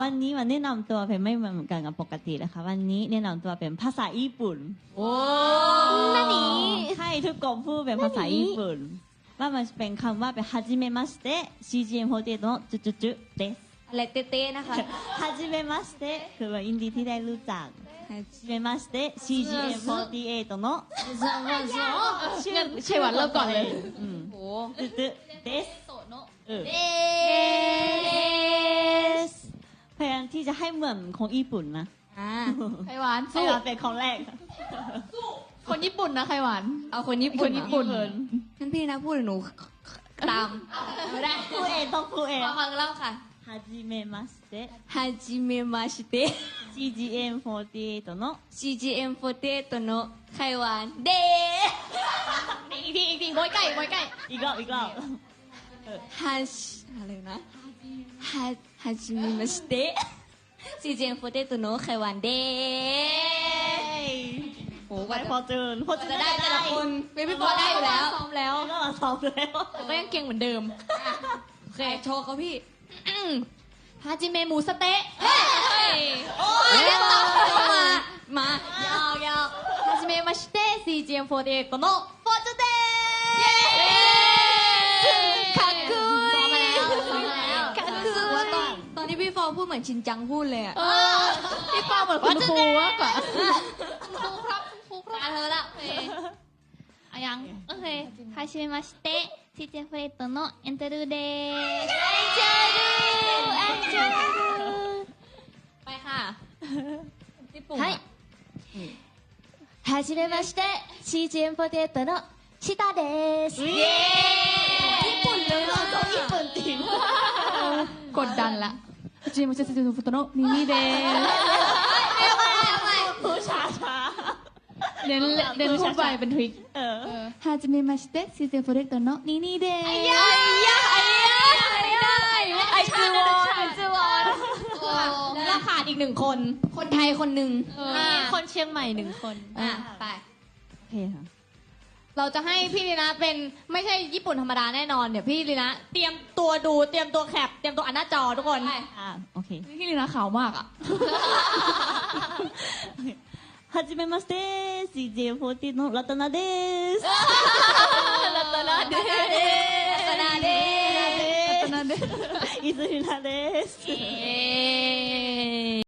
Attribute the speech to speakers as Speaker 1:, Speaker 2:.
Speaker 1: วันนี้มาแนะนำตัวเป็นไม่เหมือนกันกับปกตินะคะวันนี้แนะนำตัวเป็นภาษาญี่ปุ่น
Speaker 2: โอ้
Speaker 1: นั่นนี่ให้ทุกคนพูดเป็นภาษาญี่ปุ่นว่ามันเป็นคำว่าเป็นฮาจิเมมาสเตะ CGM48 のจุจุจุเดส
Speaker 2: อะไรเต้ๆนะคะ
Speaker 1: ฮาจิเมมาสเตะคือว่ายินดีที่ได้รู้จักฮาจิเมมาสเตะ CGM48 の
Speaker 2: ชื่อวันเริ่มก่อนเลย
Speaker 1: โอ้จุจุเดสพยายามที่จะให้เหมือนของญี่ปุ่นนะ
Speaker 2: ไข่หวาน
Speaker 1: สู้เป็นของแรก
Speaker 2: คนญี่ปุ่นนะไข่หวานเอาคนญี่ปุ่นงั้นพี่นะพูดหนูตามไม่ได้
Speaker 1: พูดเองต้องพูดเอง
Speaker 2: ฟังเล่าค่ะ
Speaker 1: ฮาจิเมมาสเตะ
Speaker 2: ฮาจิเมมาสเตะ
Speaker 1: CGM48 の
Speaker 2: CGM48 のไข่หวานเดอีกทีบอยไก่
Speaker 1: อีกรอบ
Speaker 2: ฮาชิอะไรนะฮาจิเมมาสเตะ CGM48 のไข่หวานเด
Speaker 1: โอ้ไปพอเจอ
Speaker 2: จะได้แต่ละคนพี่ปอได้อยู่แล้วซ้อมแล้ว
Speaker 1: ก็มาซ้อมแล้ว
Speaker 2: แต่ก็ยังเก่งเหมือนเดโอเคโชว์เขาพี่ฮาจิเมะหมูสเต๊ะโอ้ยมายาวฮาจิเมะมาสเต๊ะ CGM48 のフォーチュンですかっこいいかっこいいตอนที่พี่ฟอพูดเหมือนชินจังพูดเลยอ่ะ
Speaker 1: พี่ฟอเหมือนคุณครูมากกว่า
Speaker 2: ครูครับเธอละ
Speaker 3: ยังโอเคはじめまして CGM48 のエントルです
Speaker 2: エントルไปค่ะはいはじめまして CGM48 のชิตาですญี่ปุ่นเลย
Speaker 1: ญี่ปุ่นจริง
Speaker 2: กดดันละはじめまして CGM48 のニニです
Speaker 1: ผู้ช้า
Speaker 2: เดินพูดไปเป็นทริคはじめまして CGM48 のニニですไอ้ยาไอจูวอนแล้วเราขาดอีก1คนไทยคนหนึ่ง
Speaker 3: คนเชียงใหม่1คน
Speaker 2: ไป
Speaker 1: โอเคค่ะ
Speaker 2: เราจะให้พี่ลีนะเป็นไม่ใช่ญี่ปุ่นธรรมดาแน่นอนเดี๋ยวพี่ลีนะเตรียมตัวดูเตรียมตัวแคปเตรียมตัวอ่านหน้าจอทุกคน
Speaker 1: โอเค
Speaker 2: พี่ลีนะขาวมากอ่ะ
Speaker 1: はじめまして CGM48 のラタナです
Speaker 2: ラタナです
Speaker 1: イズリナです